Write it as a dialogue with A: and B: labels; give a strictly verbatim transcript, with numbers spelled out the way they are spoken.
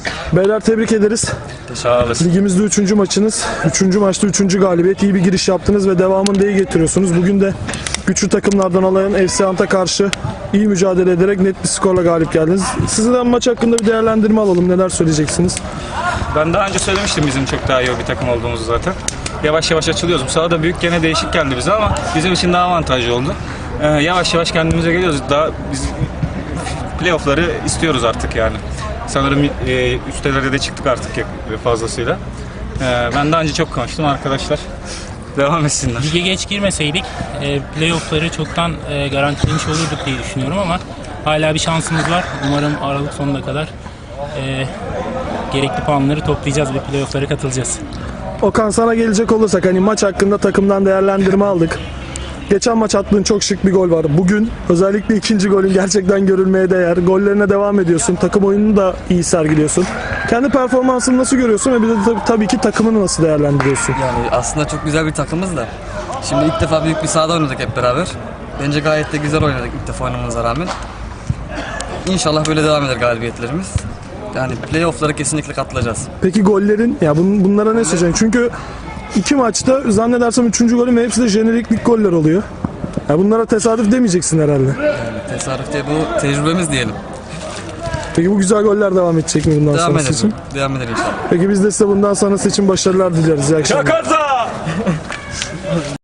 A: Beyler tebrik ederiz.
B: Sağ olasın.
A: Ligimizde üçüncü maçınız. Üçüncü maçta üçüncü galibiyet. İyi bir giriş yaptınız ve devamını da iyi getiriyorsunuz. Bugün de güçlü takımlardan alayan F C Ant'a karşı iyi mücadele ederek net bir skorla galip geldiniz. Sizden maç hakkında bir değerlendirme alalım. Neler söyleyeceksiniz?
B: Ben daha önce söylemiştim bizim çok daha iyi bir takım olduğumuzu zaten. Yavaş yavaş açılıyoruz. Bu sahada büyük gene değişik geldi bize ama bizim için daha avantajlı oldu. Ee, yavaş yavaş kendimize geliyoruz. Daha biz playoff'ları istiyoruz artık yani. Sanırım e, üstelere de çıktık artık fazlasıyla. Ee, ben daha önce çok konuştum arkadaşlar. Devam etsinler.
C: Lige geç girmeseydik e, playoff'ları çoktan e, garantilemiş olurduk diye düşünüyorum ama hala bir şansımız var. Umarım Aralık sonuna kadar e, gerekli puanları toplayacağız ve playoff'lara katılacağız.
A: Okan, sana gelecek olursak hani maç hakkında takımdan değerlendirme aldık. Geçen maç attığın çok şık bir gol var. Bugün özellikle ikinci golün gerçekten görülmeye değer. Gollerine devam ediyorsun. Takım oyununu da iyi sergiliyorsun. Kendi performansını nasıl görüyorsun ve bir de tabii, tabii ki takımını nasıl değerlendiriyorsun?
D: Yani aslında çok güzel bir takımız da. Şimdi ilk defa büyük bir sahada oynadık hep beraber. Bence gayet de güzel oynadık ilk defa oynamamıza rağmen. İnşallah böyle devam eder galibiyetlerimiz. Yani playoff'lara kesinlikle katılacağız.
A: Peki gollerin, ya bun, bunlara ne söyleyeceksin? Çünkü iki maçta zannedersem üçüncü golün ve hepsi de jeneriklik goller oluyor. Ya bunlara tesadüf demeyeceksin herhalde.
D: Yani tesadüf diye bu tecrübemiz diyelim.
A: Peki bu güzel goller devam edecek mi bundan
D: Devam
A: sonrası
D: eder.
A: için?
D: Devam eder inşallah.
A: Peki biz de size bundan sonrası için başarılar dileriz. İyi akşamlar.
B: Jakarta!